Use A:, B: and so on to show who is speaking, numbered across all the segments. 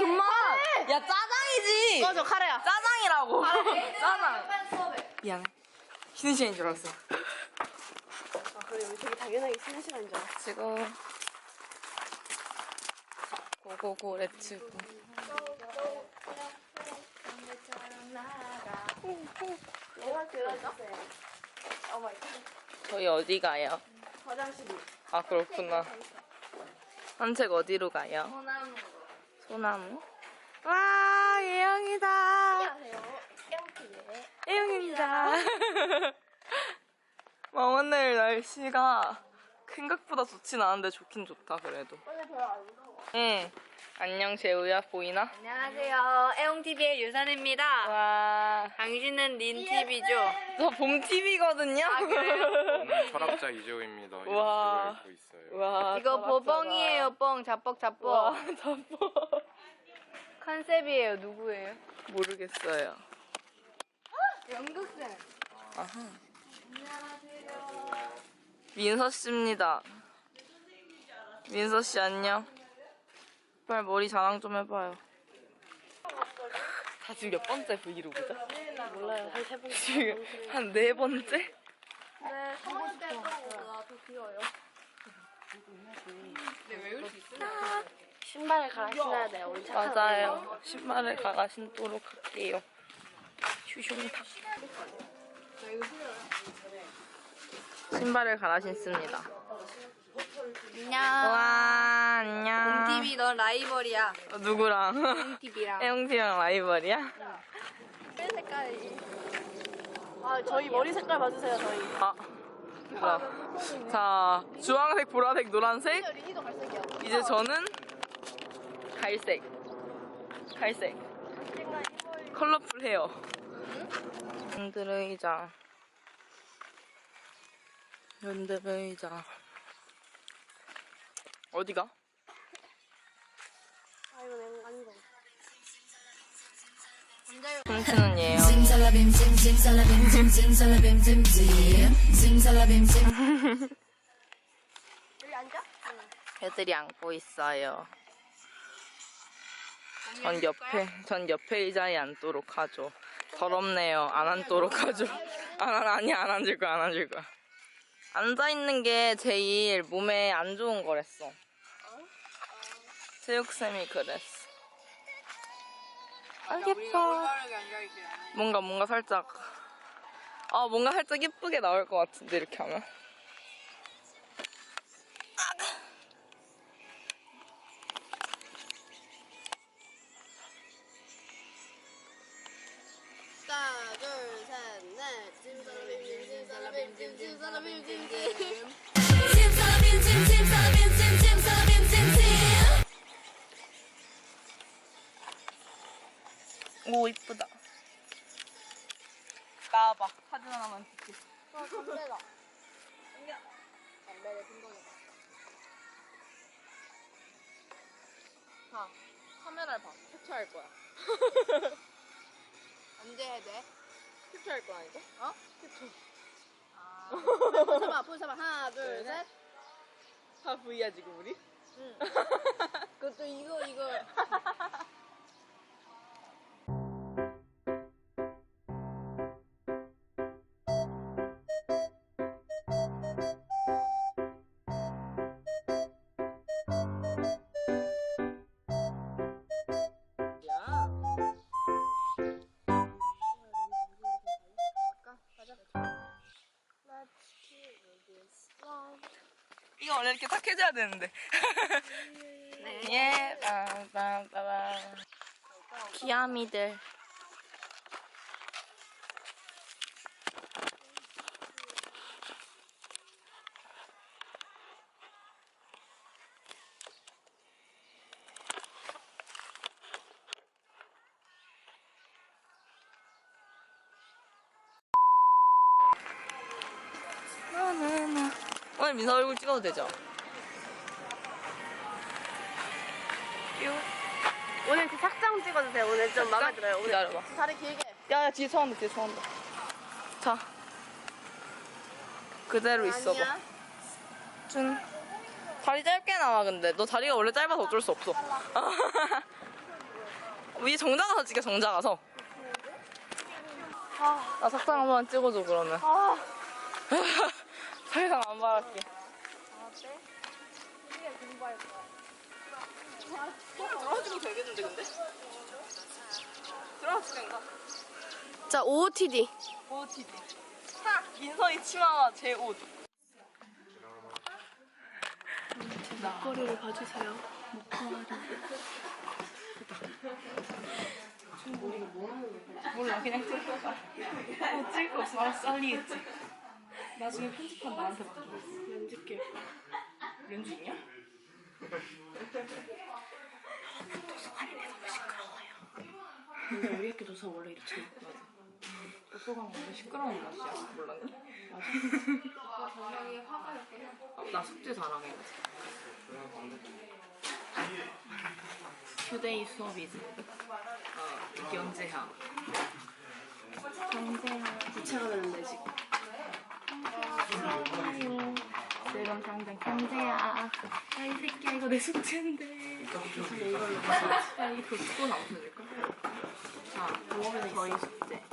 A: 존맛. 야, 짜장이지.
B: 꺼져, 카레야.
A: 짜장이라고. 짜장. 미안해. 쉬는 시간인 줄 알았어.
B: 아, 그래, 우리 되게 당연하게 쉬는 시간인 줄 알았어.
A: 지금 고고고 렛츠고.
B: 내가 들어줬어요.
A: 저희 어디 가요?
B: 화장실이.
A: 아, 그렇구나. 산책 어디로 가요?
B: 소나무.
A: 소나무? 와, 예영이다.
B: 안녕하세요. 땡큐네.
A: 예영입니다. 오늘 날씨가 생각보다 좋진 않은데 좋긴 좋다, 그래도.
B: 오늘 별로 안 더워.
A: 응. 안녕, 재우야. 보이나?
B: 안녕하세요. 애용TV의 유산입니다.
A: 와.
B: 당신은 린TV죠?
A: 저 봄TV거든요?
B: 아, 그래요?
C: 철학자 이재호입니다.
A: 와.
C: 이거 입고 있어요.
A: 와.
B: 이거
A: 철학자다.
B: 보뻥이에요, 뻥. 자뻑, 자뻑.
A: 와, 자뻑.
B: 컨셉이에요. 누구예요?
A: 모르겠어요.
B: 연극생.
A: 아하. 민서씨입니다. 민서씨 안녕. 빨리 머리 자랑 좀 해봐요. 다 지금 몇 번째 브이로그죠?
B: 몰라요. 한 세 번째.
A: 지금 한 네 번째?
B: 네, 첫 번째 거보다 더 길어요. 신발을 갈아 신어야 돼요. 우리 착한
A: 맞아요. 신발을 갈아 신도록 할게요. 슈슝탁. 신발을 갈아 신습니다.
B: 안녕.
A: 와, 안녕.
B: 린TV 넌 라이벌이야.
A: 누구랑?
B: 린TV랑.
A: 혜영씨랑 라이벌이야?
B: 색깔이. 아, 저희 머리 색깔 봐주세요, 저희.
A: 아, 자, 주황색, 보라색, 노란색.
B: 리니도 갈색이야.
A: 이제 저는 갈색. 갈색. 컬러풀 헤어. 랜드레이장. 랜드레이장. 어디가?
B: 아, 이거 내가 아니다.
A: 훔치는 예요.
D: Zimzalabim, zim, zimzalabim, zim, zimzalabim, zim, zim. Zimzalabim, zim.
B: 여기 앉아?
A: 애들이 안고 있어요. 전 옆에 의자에 앉도록 하죠. 더럽네요. 안 앉도록 하죠. 안 앉을 거야, 안 앉을 거야. 앉아있는 게 제일 몸에 안 좋은 거랬어. 체육쌤이 그랬어. 아, 예뻐. 뭔가 살짝, 뭔가 살짝 예쁘게 나올 것 같은데, 이렇게 하면.
B: 하나, 둘, 셋, 넷. 짐살라빔, 짐살라빔, 짐살라빔, 짐.
D: Zimzalabim, zim, zimzalabim, zim, zimzalabim, zim, zim.
A: 오, 이쁘다. 나와봐. 사진 하나만 찍게.
B: 담배다. 담배를 핀거다.
A: 봐. 카메라를 봐. 캡처할 거야.
B: 언제 해야 돼?
A: 캡처할 거야, 이거?
B: 어? 캡처. 아. 포즈 잡아. 하나, 둘, 셋.
A: 다 V야, 지금 우리?
B: 응. 그것도 이거.
A: 이거 원래 이렇게 딱 해줘야 되는데. 예, 빵빵빵빵. 귀야미들. 오늘 민서 얼굴 찍어도 되죠?
B: 오늘 그 착장 찍어주세요. 오늘 좀 마음에 들어요. 오늘
A: 기다려봐.
B: 다리 길게.
A: 야, 뒤에 서 온다, 뒤에 서 온다. 자. 그대로 있어봐.
B: 아니야.
A: 준. 다리 짧게 나와, 근데. 너 다리가 원래 짧아서 어쩔 수 없어. 위에 정자 가서 찍게, 정자 가서. 나 석상 한 번만 찍어줘, 그러면. 더 이상 안 말할게. 들어가지고 되겠는데, 근데? 들어가지고 된가?
B: 자, OOTD.
A: OOTD. 민서이 치마와 제 옷.
B: 목걸이를 봐주세요.
A: 몰라, 그냥 찍을 거야. 찍을 거 없어. 알아서 잘리겠지. 나중에 편집한 나한테 맡겨.
B: 연주길.
A: 렌즈 있냐? 도서관인데 너무 시끄러워요.
B: 근데 우리 학교 도서 원래 이렇게
A: 맞아. 도서관 원래 시끄러운 맛이야. 몰랐니?
B: 맞아.
A: 나 숙제 자랑해. 휴대이 수업이지. 경제학.
B: 부채가 되는데 지금.
A: 지금 당장 경제야. 야, 이 새끼야, 이거 내 숙제인데.
B: 근데 이걸로
A: 야, 이거 또 나오실까? 자, 저희 숙제.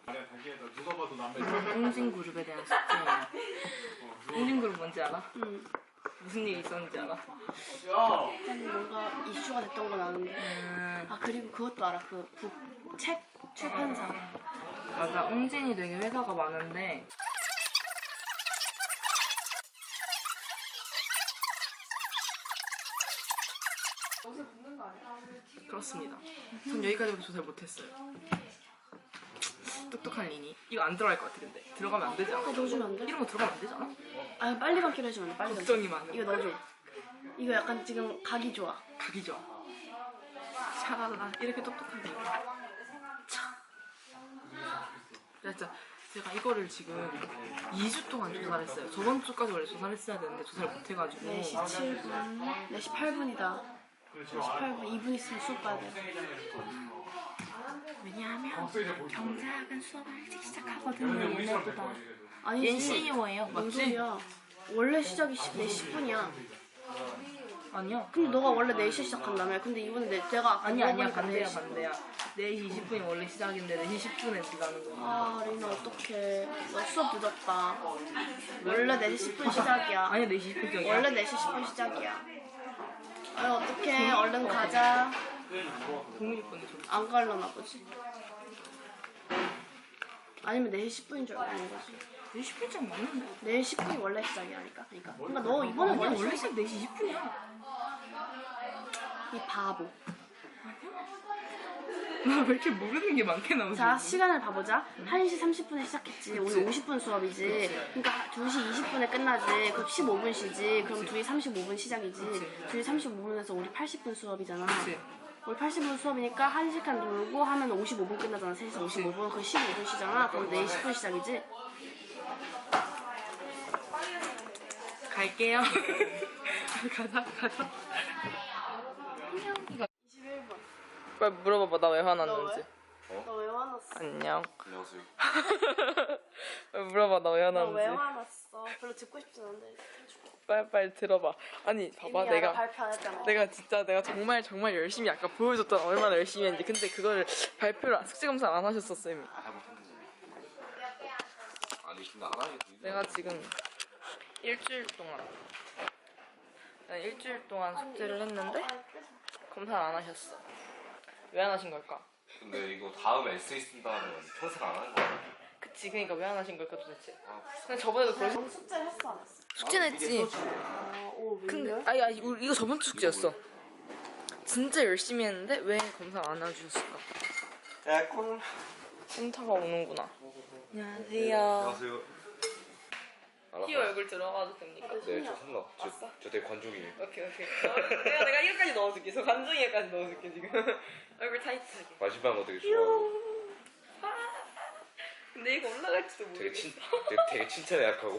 A: 웅진그룹에 대한 숙제예요. 웅진그룹 뭔지 알아?
B: 응.
A: 무슨 일이 있었는지 알아?
B: 뭔가 이슈가 됐던 건 아는데. 아, 그리고 그것도 알아. 그 책 출판사.
A: 맞아, 웅진이 되게 회사가 많은데 그렇습니다. 전 여기까지밖에 조사를 못했어요. 똑똑한 리니. 이거 안 들어갈 것 같아. 근데 들어가면 안 되지 않아?
B: 넣어주면 안 돼?
A: 이런 거 들어가면 안 되잖아?
B: 아, 빨리 감기로 해주면 안 돼. 빨리
A: 걱정이
B: 넣어줘.
A: 많아.
B: 이거 넣어줘. 이거 약간 지금 각이 좋아.
A: 가기 좋아. 샤라라. 이렇게 똑똑한 리니. 진짜 제가 이거를 지금 2주 동안 조사를 했어요. 저번 주까지 원래 조사를 했어야 되는데 조사를 못 해가지고
B: 4시 7분, 4시 8분이다. 4시 8분, 2분 있으면 수업 가야 돼.
A: 왜냐하면 경제학은 수업을 일찍 시작하거든요. 얘네보다.
B: 아니지.
A: 얘는 CEO예요.
B: 뭔
A: 맞지?
B: 소리야. 원래 시작이 4시 10분이야.
A: 아니요.
B: 근데 너가 원래 4시에 시작한다며. 근데 이번에 내가 아까
A: 아니야
B: 물어보니까
A: 반대야
B: 4시.
A: 반대야. 4시 20분이 원래 시작인데 4시 10분에 들어가는 거야.
B: 아, 리나 어떡해. 너 수업 늦었다. 원래 4시 10분 시작이야.
A: 아니야 4시 20분이야.
B: 원래 4시 10분 시작이야. 아유, 어떡해. 얼른 가자.
A: 동일권이 좀.
B: 안 갈라나 보지. 아니면 4시 10분인 줄 알고 있는 거지.
A: 4시 10분쯤 맞는데?
B: 4시 10분이 원래 시작이라니까. 그러니까 너 이번에
A: 아니야
B: 원래
A: 원래 시작 4시 20분이야.
B: 이 바보.
A: 나 왜 이렇게 모르는 게 많게 나오지?
B: 자, 시간을 봐보자. 1시 30분에 시작했지. 오늘 50분 수업이지. 그러니까 2시 20분에 끝나지. 그럼 15분 쉬지. 그럼 2시 35분 시작이지. 2시 35분에서 우리 80분 수업이잖아.
A: 그치.
B: 우리 80분 수업이니까 1시간 놀고 하면 55분 끝나잖아. 3시간 55분. 그럼 15분 쉬잖아. 그럼 4시 10분 시작이지.
A: 갈게요. 가자.
B: 21분.
A: 빨리 물어봐봐 나 왜 화났는지.
B: 너 왜 화났어?
A: 안녕.
C: 안녕하세요.
A: 빨리 물어봐 나 왜
B: 너
A: 화났는지.
B: 왜 화났어? 별로 듣고 싶진 않은데.
A: 빨리 들어봐. 아니 봐봐
B: 이미
A: 내가
B: 알아, 발표 안 했잖아.
A: 내가 정말 열심히 아까 보여줬잖아. 얼마나 열심히 했는지. 근데 그거를 발표를 숙제 검사 안 하셨어 쌤이.
C: 아니 근데 안 하겠어.
A: 내가 지금 일주일 동안 숙제를 했는데 검사를 안 하셨어. 왜 안 하신 걸까?
C: 근데 이거 다음 에세이 쓴다면 평생 안 하는 거야.
A: 그치 그러니까 왜 안 하신 걸까 도대체. 근데 저번에도 그러셨.
B: 넌 숙제를 했어 안 했어?
A: 숙제는 했지.
B: 오,
A: 근데
B: 웬일?
A: 아니 이거 저번 주 숙제였어. 진짜 열심히 했는데 왜 검사 안 해주셨을까?
C: 야 꿀.
A: 센터가 오는구나. 안녕하세요.
C: 안녕하세요.
A: 티 얼굴 들어가도 됩니까?
C: 네, 저 상관. 저 되게 관종이에요.
A: 오케이. 내가 이거까지 넣어줄게. 저 간증이까지 넣어줄게 지금. 얼굴 타이트하게.
C: 마지막 되게 좋아하고.
A: 근데 이거 올라갈지도
C: 되게
A: 모르겠어.
C: 되게 칭찬에 약하고.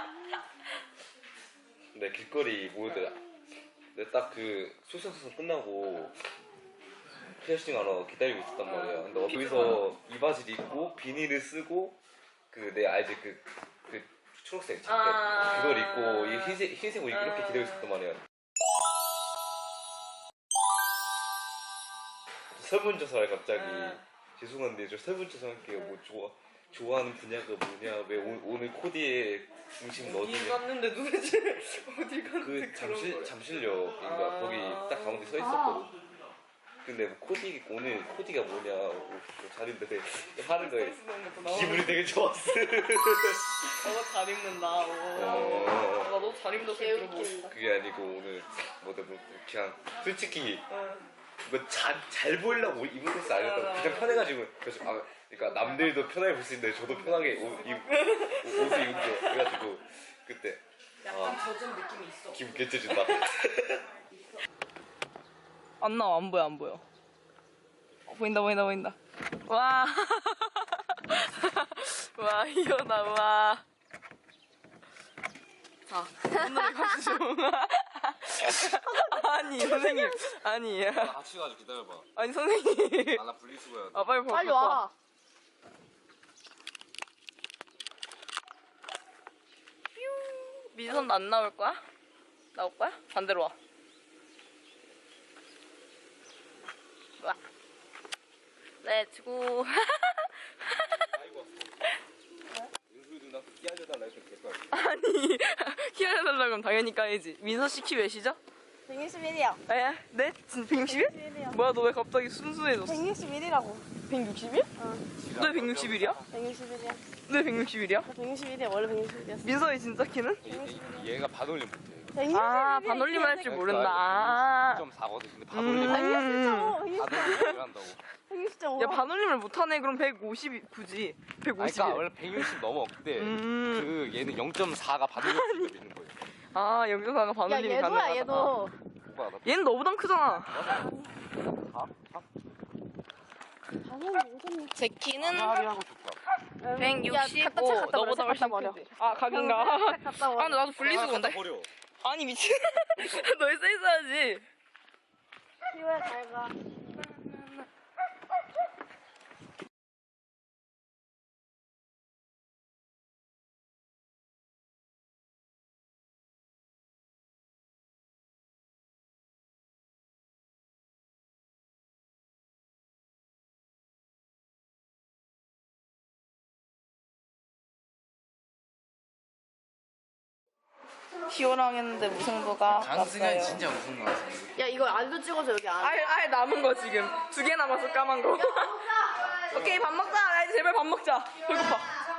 C: 근데 길거리 모델. 근데 딱 그 소시al 끝나고 피어싱 하러 기다리고 있었단 말이야. 근데 거기서 이 바지를 입고 비닐을 쓰고 그 내 알지 그 초록색 자켓 그걸 입고 이 흰색 옷 입고 이렇게 기다리고 있었단 말이야. 설문조사를 갑자기 죄송한데 저 설문조사 할게요. 뭐 좋아하는 분야가 뭐냐, 왜 오늘 코디에 중심
A: 어디
C: 넣어주냐.
A: 갔는데 도대체 어디 갔는데
C: 그 잠실역인가 거기 딱 가운데 서 있었거든. 근데 뭐 오늘 코디가 뭐냐, 뭐 자리인데 하는 거에 기분이 되게 좋았어.
A: 너가 잘 입는다. 나도 잘 입는다 소리 들어보고.
C: 그게 아니고 오늘 뭐 그냥 솔직히 뭐 잘 보이려고 입은 옷이 아니었다. 그냥 편해가지고 그래서 그러니까 남들도 편하게 볼 수 있는데 저도 편하게 옷을 입은 거 그래가지고 그때
A: 약간 젖은 느낌이 있어.
C: 기분 개째진다.
A: 안 나와, 안 보여. 보인다. 와. 와, 이거다, 와. 자, 오늘 가시죠. 아니, 선생님. 아니.
C: 같이 가지고 기다려봐.
A: 아니, 선생님.
C: 나 분리수거야.
A: 아, 빨리
B: 빨리 와.
A: 민선도 안 나올 거야? 나올 거야? 반대로 와. 와. 렛츠고.
C: 윤수 누나 끼워줘달라 해서 될거 같아.
A: 아니, 키 알려달라고 하면 당연히 까야지. 민서 씨 키 몇이죠?
B: 161이요.
A: 에? 네? 진짜 161?
B: 161이요.
A: 뭐야, 너 왜 갑자기 순수해졌어?
B: 161이라고.
A: 161? 너 161이야?
B: 161이야.
A: 너 161이야?
B: 161이야. 원래 161이었어.
A: 민서의 진짜 키는?
C: 얘가 반올림 못해.
A: 아, 반올림 할 줄 모른다. 아.
C: 1.4거든. 근데 반올림
B: 161.5.
C: 한다고.
B: 160.5.
A: 야, 반올림을 못하네. 그럼 150이 굳이. 150.
C: 그러니까 원래 160 넘어. 근데 그 얘는 0.4가 반올림 있는 거예요.
A: 아, 여기서가
B: 야,
A: 반올림이
B: 얘도야,
A: 가능하다.
B: 얘도.
C: 오빠 나
A: 얘는 너보단 크잖아. 제 키는
C: 하고 좋다.
A: 165. 너보다 훨씬 큰데. 아, 각인가?
B: 갔다
A: 아,
B: 와.
A: 근데 나도 분리수거인데?
C: 버려.
A: 아니, 미친. 너희 써 있어야지.
B: 피부에 잘 가.
A: 기호랑 했는데 무승부가
E: 강승은 진짜 무슨 거 같아.
B: 야, 이거 알도 찍어줘, 여기 안.
A: 알 남은 거 지금 2개 남았어, 까만 거. 오케이, 밥 먹자. 야, 이제 제발 밥 먹자. 배고파.